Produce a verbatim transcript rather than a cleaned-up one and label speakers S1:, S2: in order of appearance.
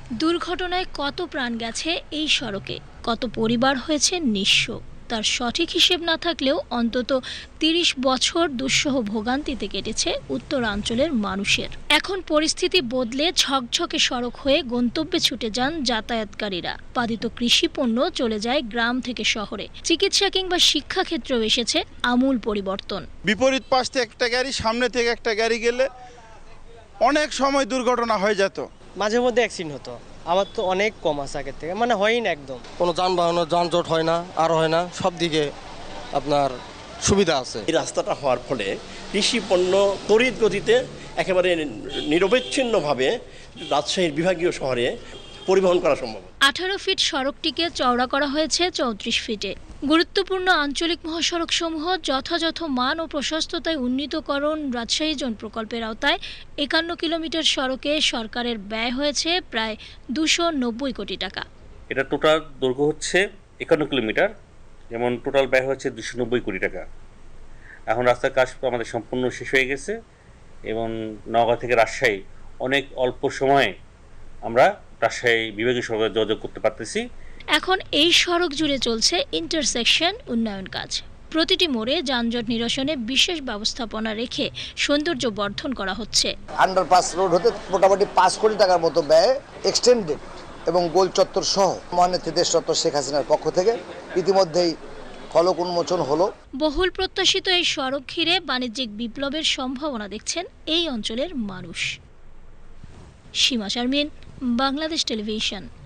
S1: দুর্ঘটনায় কত প্রাণ গেছে এই সড়কে, কত পরিবার হয়েছে নিঃস্ব, তার সঠিক হিসেব না থাকলেও অন্তত তিরিশ বছর দুঃসহ ভোগান্তিতে কেটেছে উত্তরাঞ্চলের মানুষের। এখন পরিস্থিতি বদলে ঝকঝকে সড়ক হয়ে গন্তব্যে ছুটে যান যাতায়াতকারীরা। উৎপাদিত কৃষি পণ্য চলে যায় গ্রাম থেকে শহরে। চিকিৎসা কিংবা শিক্ষাক্ষেত্রেও এসেছে আমূল পরিবর্তন।
S2: বিপরীত পাশ থেকে একটা গাড়ি, সামনে থেকে একটা গাড়ি গেলে অনেক সময় দুর্ঘটনা হয়ে যেত।
S3: মাঝে মধ্যে অ্যাক্সিডেন্ট হতো, আমার তো অনেক কম আছে আগের থেকে, মানে হয়ই না একদম।
S4: কোনো যানবাহনের যানজট হয় না, আর হয় না, সব দিকে আপনার সুবিধা আছে।
S5: এই রাস্তাটা হওয়ার ফলে কৃষি পণ্য তড়িৎ গতিতে একেবারে নিরবচ্ছিন্নভাবে রাজশাহীর বিভাগীয় শহরে পরিবহন করা সম্ভব।
S1: আঠারো ফিট সড়কটিকে চওড়া করা হয়েছে চৌত্রিশ ফিটে। গুরুত্বপূর্ণ আঞ্চলিক মহাসড়ক সমূহ যথাযথ মান ও প্রশস্ততায় উন্নীতকরণ রাজশাহী জোন প্রকল্পের আওতায় একান্ন কিলোমিটার সড়কে সরকারের ব্যয় হয়েছে প্রায় দুশো নব্বই কোটি টাকা।
S6: এটা টোটাল দৈর্ঘ্য হচ্ছে একান্ন কিলোমিটার, যেমন টোটাল ব্যয় হচ্ছে দুশো নব্বই কোটি টাকা। এখন রাস্তার কাজ আমাদের সম্পূর্ণ শেষ হয়ে গেছে এবং নওগাঁ থেকে রাজশাহী অনেক অল্প সময়ে আমরা রাজশাহী বিভাগীয় সড়কে যোগাযোগ করতে পারতেছি।
S1: এখন এই সড়ক জুড়ে চলছে ইন্টারসেকশন উন্নয়ন কাজ। প্রতিটি মোড়ে যানজট নিরসনে বিশেষ ব্যবস্থাপনা রেখে সৌন্দর্য বর্ধন করা হচ্ছে।
S7: আন্ডারপাস রোড হতে মোটামুটি পাঁচ কোটি টাকার মতো ব্যয় এক্সটেন্ডেড এবং গোল চত্বর সহ মহানেত্রী দেশ চত্বর শেখ হাসিনার পক্ষ থেকে ইতিমধ্যেই ফলক উন্মোচন হলো।
S1: বহুল প্রত্যাশিত এই সড়ক ঘিরে বাণিজ্যিক বিপ্লবের সম্ভাবনা দেখছেন এই অঞ্চলের মানুষ। সীমা শারমিন, বাংলাদেশ টেলিভিশন।